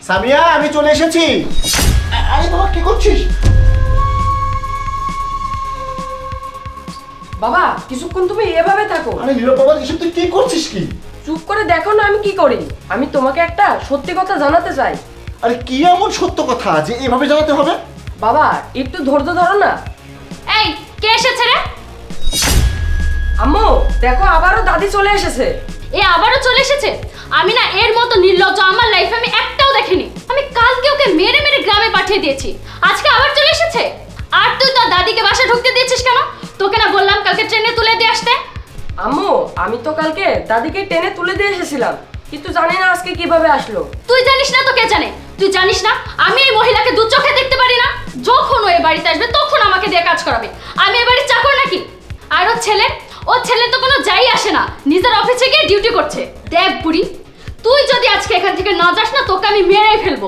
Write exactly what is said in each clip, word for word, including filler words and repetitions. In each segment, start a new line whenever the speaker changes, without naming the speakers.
সামিয়া আমি চলে এসেছি। আরে বাবা কি করছিস?
বাবা কিছুক্ষণ তুমি এভাবে থাকো।
আরে নীরব বাবা এসব তুই কি করছিস কি?
চুপ করে দেখো না আমি কি করি। আমি তোমাকে একটা সত্যি কথা জানাতে চাই।
আরে কি এমন সত্য কথা যে এভাবে জানাতে হবে?
বাবা একটু ধৈর্য ধরো না।
এই কে এসেছে রে?
আম্মু দেখো আবারও দাদি চলে এসেছে।
এ আবারও চলে এসেছে? আমি না এর মতো নির্লজ্জ আমার লাইফে আমি একটাও দেখিনি। আমি কালকে ওকে মেরে মেরে গ্রামে পাঠিয়ে দিয়েছি, আজকে আবার চলে এসেছে। আর তুই তোর দাদিকে বাসায় ঢুকতে দিয়েছিস কেন? তোকে না বললাম কালকে ট্রেনে তুলে দিয়ে আসতে?
আম্মু আমি তো কালকে দাদিকে টেনে তুলে দিয়ে এসেছিলাম, কিন্তু জানি না আজকে কিভাবে আসলো।
তুই জানিস না তো কে জানে? তুই জানিস না আমি এই মহিলাকে দু চোখে দেখতে পারি না? যখন ও এ বাড়িতে আসবে তখন আমাকে দিয়ে কাজ করাবে। আমি এ বাড়ির চাকর নাকি? আর ওর ছেলে, ওর ছেলে তো কোনো যাই আসে না, নিজের অফিসে গিয়ে ডিউটি করছে। দেখ বুড়ি, তুই যদি আজকে এখান থেকে না যাস না তোকে আমি মেরেই ফেলবো।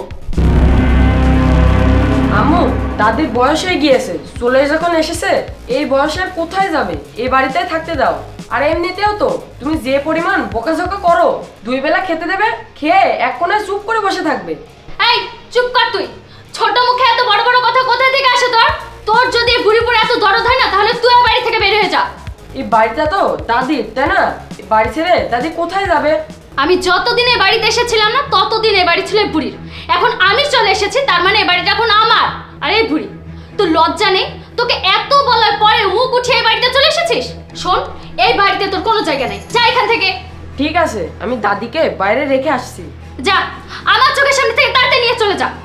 আম্মু দাদির বয়স হয়ে গিয়েছে, চলে যখন এসেছে এই বয়সে আর কোথায় যাবে, এই বাড়িতে থাকতে দাও। আর এমনিতেও তো তুমি যে পরিমাণ বকাঝকা করো, দুই বেলা খেতে দেবে, খেয়ে এক কোণায় চুপ করে বসে থাকবে।
এই চুপ কর তুই। ছোট মুখে এত বড় বড় কথা কোথা থেকে আসে তোর? তোর যদি এই বুড়ি পড়ে এত দরদ হয় না তাহলে তুই বাড়ি থেকে বের হয়ে যা।
এই বাড়িটা তো দাদির, তাই না? এই বাড়ি ছেড়ে দাদি কোথায় যাবে?
আমি যতদিন এই বাড়িতে এসেছিলাম না ততদিন এই বাড়ি ছিল এই বুড়ির। এখন আমি চলে এসেছি, তার মানে এই বাড়িটা এখন আমার। আর এই বুড়ি, তোর লজ্জা নেই? তোকে এত বলার পরে মুখ উঠিয়ে এই বাড়িতে চলে এসেছিস? শোন, এই বাড়িতে তোর কোনো জায়গা নেই, যা এখান থেকে।
ঠিক আছে আমি দাদিকে বাইরে রেখে আসছি।
যা, আমার চোখের সামনে থেকে তাড়াতাড়ি নিয়ে চলে যা।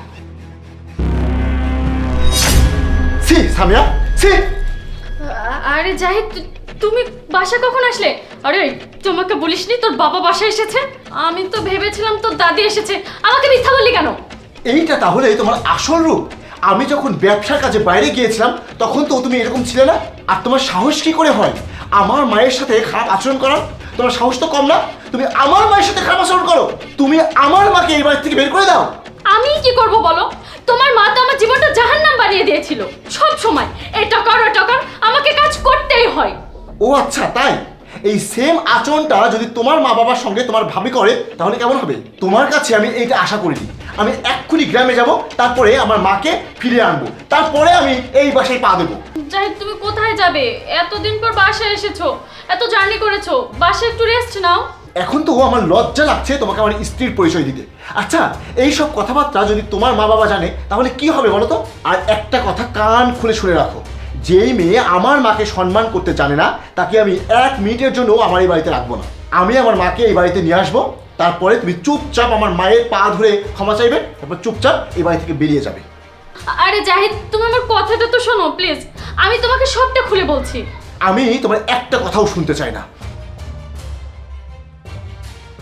সি সামিয়া সি।
আরে জাহিদ, তুমি বাসা কখন আসলে? আরে তোমাকে বলিসনি তোর বাবা বাসায় এসেছে? আমি তো ভেবেছিলাম তোর দাদি এসেছে। আমাকে মিথ্যা বললি কেন?
এইটা তাহলে তোমার আসল রূপ? আমি যখন ব্যবসার কাজে বাইরে গিয়েছিলাম তখন তো তুমি এরকম ছিলে না। আর তোমার সাহস কি করে হয় আমার মায়ের সাথে খারাপ আচরণ করার? তোমার সাহস তো কম না, তুমি আমার মায়ের সাথে খারাপ আচরণ করো। তুমি আমার মাকে এই বাড়ি থেকে বের করে দাও।
আমি কি করব বলো? তোমার মা তো আমার জীবনটা জাহান্নাম বানিয়ে দিয়েছিল। সব সময় এটা কর ওটা কর, আমাকে কাজ করতেই হয়।
ও আচ্ছা তাই? এই সেম আচরণটা যদি তোমার মা বাবার সঙ্গে তোমার ভাবি করে তাহলে কেমন হবে? তোমার কাছে আমি এইটা আশা করিনি। আমি এক্ষুনি গ্রামে যাব, তারপরে আমার মাকে ফিরে আনবো, তারপরে আমি এই বাসায় পা দেবো।
জাহিদ তুমি কোথায় যাবে? এতদিন পর বাসায় এসেছো, এত জার্নি করেছো, বাসায় একটু রেস্ট নাও।
এখন তো আমার লজ্জা লাগছে তোমাকে আমার স্ত্রীর পরিচয় দিতে। আচ্ছা এই সব কথাবার্তা যদি তোমার মা বাবা জানে তাহলে কি হবে বলো তো? আর একটা কথা কান খুলে শুনে রাখো, যেই মেয়ে আমার মাকে সম্মান করতে জানে না তাকে আমি এক মিনিটের জন্য আমার এই বাড়িতে রাখবো না। আমি আমার মাকে এই বাড়িতে নিয়ে আসবো, তারপরে তুমি চুপচাপ আমার মায়ের পা ধরে ক্ষমা চাইবে, তারপর চুপচাপ এই বাড়ি থেকে বেরিয়ে যাবে।
আরে জাহিদ তুমি আমার কথাটা তো শোনো প্লিজ, আমি তোমাকে সবটা খুলে বলছি।
আমি তোমার একটা কথাও শুনতে চাই না।